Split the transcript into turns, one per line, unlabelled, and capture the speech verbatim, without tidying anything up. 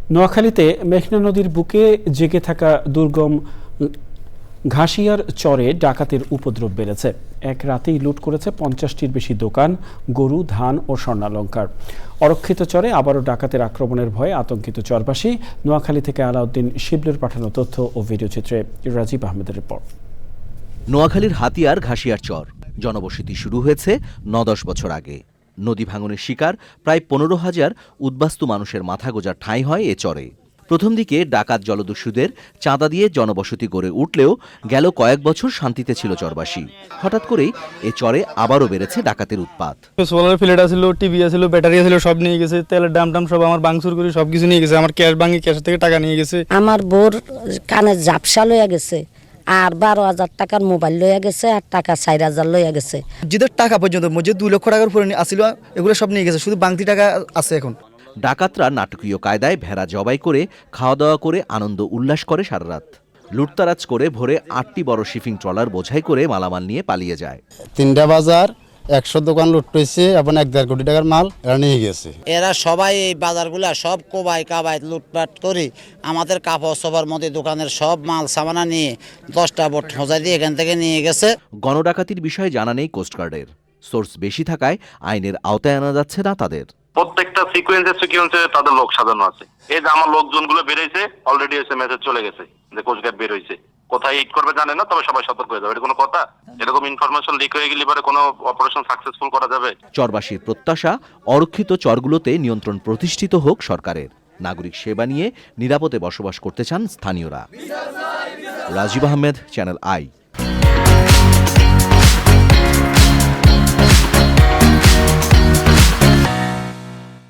নোয়াখালীতে মেঘনা নদীর বুকে জেগে থাকা দুর্গম ঘাসিয়ার চরে ডাকাতের উপদ্রব বেড়েছে। এক রাতেই লুট করেছে পঞ্চাশটির বেশি দোকান, গরু, ধান ও স্বর্ণালংকার। অরক্ষিত চরে আবারও ডাকাতের আক্রমণের ভয়ে আতঙ্কিত চরবাসী। নোয়াখালী থেকে আলাউদ্দিন শিবলের পাঠানো তথ্য ও ভিডিওচিত্রে রাজীব আহমেদের রিপোর্ট।
নোয়াখালীর হাতিয়ার ঘাসিয়ার চর জনবসতি শুরু হয়েছে ন দশ বছর আগে। নদী ভাঙনের শিকার প্রায় পনেরো হাজার উদ্বাস্তু মানুষের মাথা গোজার ঠাঁই হয় এ চরে। প্রথম দিকে ডাকাত জলদস্যুদের চাঁদা দিয়ে জনবসতি গড়ে উঠলেও গেল কয়েক বছর শান্তিতে ছিল চরবাসী। হঠাৎ করেই এ চরে আবারও বেড়েছে ডাকাতের উৎপাত।
সোলার প্লেট ছিল, টিভি ছিল, ব্যাটারি ছিল, সব নিয়ে গেছে। তেলের দাম টাম সব আমার বাংসুর করে সবকিছু নিয়ে গেছে। আমার ক্যাশ ভাঙি ক্যাশ থেকে টাকা নিয়ে গেছে।
আমার বোর কানে ঝাপসা লইয়া গেছে, আর বারো হাজার টাকার মোবাইল লইয়া গেছে, আর টাকা চার হাজার লইয়া গেছে।
মসজিদের টাকা পর্যন্ত মসজিদ দুই লক্ষ টাকার উপরে আসছিল, এগুলো সব নিয়ে গেছে। শুধু বাংতি টাকা আছে এখন।
ডাকাতরা নাটকীয় কায়দায় ভেড়া জবাই করে খাওয়া দাওয়া করে আনন্দ উল্লাস করে সারা রাত। লুটতারাজ করে ভোরে আটটি বড় শিপিং ট্রলার বোঝাই করে মালামাল নিয়ে পালিয়ে যায়।
তিনটা বাজার, একশো দোকান লুট হয়েছে এবং এক দেড় কোটি টাকার মাল এরা নিয়ে গেছে।
এরা সবাই এই বাজারগুলা সব কোবাই কাবাই লুটপাট করে আমাদের কাপড় সবার মধ্যে দোকানের সব মাল সামানা নিয়ে দশটা বোট হোঁজা দিয়ে এখান থেকে নিয়ে গেছে।
গণডাকাতির বিষয়ে জানা নেই কোস্টগার্ডের। সোর্স বেশি থাকায় আইনের আওতায় আনা যাচ্ছে না তাদের।
প্রত্যেকটা সিকোয়েন্সে সিকোয়েন্সে তাদের লোক সাজানো আছে। এই যে আমার লোকজনগুলো বেরোইছে, অলরেডি এসে মেসেজ চলে গেছে যে কোস্টগার্ড বের হয়েছে। কোথায় হিট করবে জানে না, তবে সবাই সতর্ক হয়ে যাবে। এটা কোনো কথা? এরকম ইনফরমেশন লিক হয়ে গেলে পরে কোনো অপারেশন সাকসেসফুল করা যাবে?
চরবাসীর প্রত্যাশা, অরক্ষিত চরগুলোতে নিয়ন্ত্রণ প্রতিষ্ঠিত হোক সরকারের। নাগরিক সেবা নিয়ে নিরাপদে বসবাস করতে চান স্থানীয়রা। Rajib Ahmed, channel I.